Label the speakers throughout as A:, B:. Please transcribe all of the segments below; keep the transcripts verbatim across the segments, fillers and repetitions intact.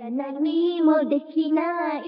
A: nani mo dekinai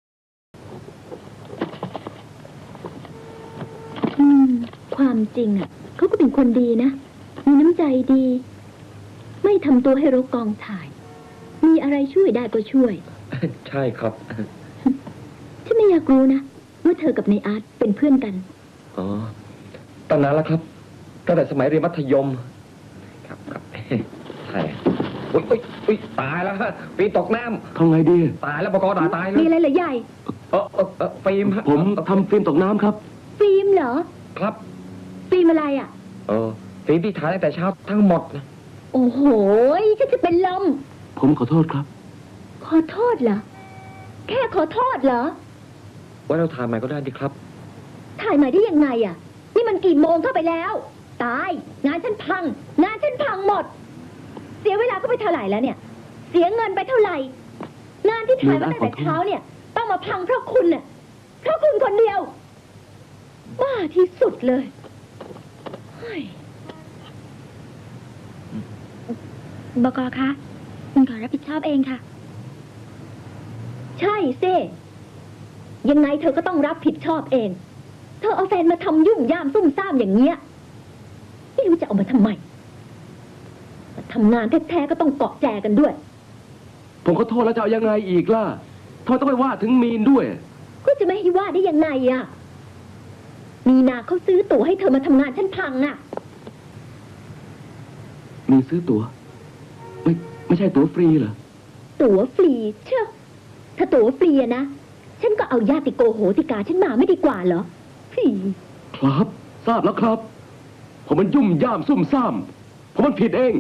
A: อืมความจริงอ่ะเขาก็เป็นคนดีนะมีน้ำใจดีไม่ทำตัวให้รกกองถ่ายมีอะไรช่วยได้ก็ช่วย
B: ใช่ครับ
A: ฉันไม่อยากรู้นะว่าเธอกับนายอาร์ตเป็นเพื่อนกัน
B: อ๋อตั้งนานแล้วครับตั้งแต่สมัยเรียนมัธยมครับครับใช่อุ้ยอุ้ยอุ้ยตายแล้วฮะปีตกน้ำ
C: ทำไงดี
B: ตายแล้วปกติตายแล้ว
A: มีอะไรเหรอใหญ่
B: เออเออเออฟิล์ม
C: ผมทำฟิล์มตกน้ำครับ
A: ฟิล์มเหรอ
B: ครับ
A: ฟิล์มอะไรอ่ะ
B: เออฟิล์มที่ถ่ายตั้งแต่เช้าทั้งหมดนะ
A: โอ้โหฉันจะเป็นลม
C: ผมขอโทษครับ
A: ขอโทษเหรอแค่ขอโทษเหรอ
B: ว่าเราถ่ายใหม่ก็ได้ดิครับ
A: ถ่ายใหม่ได้ยังไงอ่ะนี่มันกี่โมงเข้าไปแล้วตายงานฉันพังงานฉันพังหมดเสียเวลาก็ไปเท่าไหร่แล้วเนี่ยเสียเงินไปเท่าไหร่งานที่ถ่ายมาตั้งแต่เช้าเนี่ยต้องมาพังเพราะคุณน่ะเพราะคุณคนเดียวบ้าที่สุดเลยบก.คะคุณขอรับผิดชอบเองค่ะใช่สิยังไงเธอก็ต้องรับผิดชอบเองเธอเอาแฟนมาทำยุ่งย่ามซุ่มซ่ามอย่างเงี้ยไม่รู้จะเอามาทำไมทำงานแท้ๆก็ต้องเกาะแจกันด้วย
C: ผมขอโทษแล้วจะเอายังไงอีกล่ะทำไมต้องไปว่าถึงมีนด้วย
A: ก็จะไม่ให้ว่าได้ยังไงอ่ะมีนาเขาซื้อตั๋วให้เธอมาทำงานฉันพังอ่ะ
C: มีซื้อตั๋วไม่ไม่ใช่ตั๋วฟรีเหรอ
A: ตั๋วฟรีเชื่อถ้าตั๋วฟรีอะนะฉันก็เอาญาติโกโหติกาฉันมาไม่ดีกว่าเหรอพี่
C: ครับทราบแล้วครับผมมันยุ่มย่ามซุ่มซ่ามผมมันผิดเอง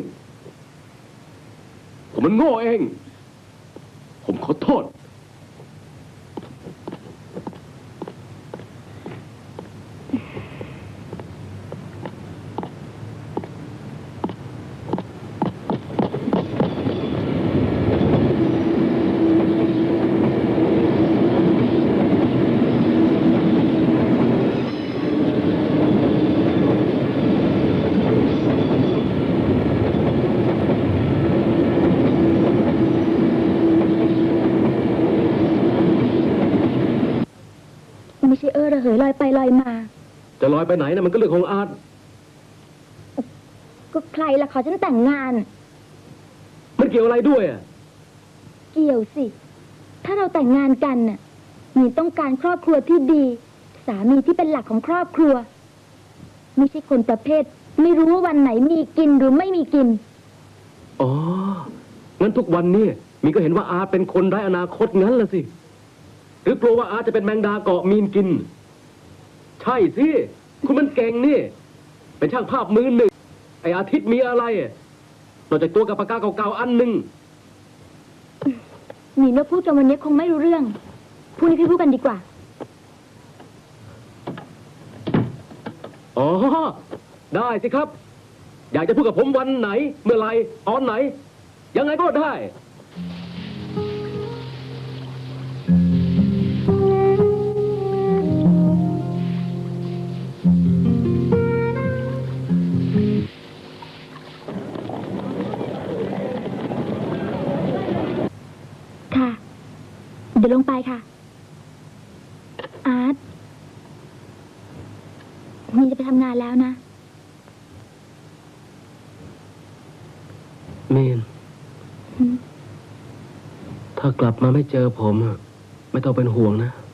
C: ผมมันโง่เองผมขอโทษ
A: ไม่ใช่เออระเหยลอยไปลอยมา
C: จะลอยไปไหนนะมันก็เรื่องของอาร์ต
A: ก็ใครล่ะขอฉันแต่งงาน
C: มันเกี่ยวอะไรด้วยอ่ะ
A: เกี่ยวสิถ้าเราแต่งงานกันน่ะมีต้องการครอบครัวที่ดีสามีที่เป็นหลักของครอบครัวไม่ใช่คนประเภทไม่รู้ว่าวันไหนมีกินหรือไม่มีกิน
C: อ๋องั้นทุกวันนี้มีก็เห็นว่าอาร์ตเป็นคนไร้อนาคตงั้นล่ะสิหรือกลัวว่าอาจจะเป็นแมงดาเกาะมีนกินใช่สิคุณมันเก่งนี่เป็นช่างภาพมือหนึ่งไออาทิตย์มีอะไรนอกจากตัวกับปากกาเก่าๆอันหนึ่ง
A: มีนพูดจนวันนี้คงไม่รู้เรื่องพรุ่งนี้พี่พูดกันดีกว่า
C: อ๋อได้สิครับอยากจะพูดกับผมวันไหนเมื่อไรตอนไหนยังไงก็ได้
A: เดี๋ยวลงไปค่ะอาร์ตมีจะไปทำงานแล้วนะ
C: มีนถ้ากลับมาไม่เจอผมไม่ต้องเป็นห่วงนะ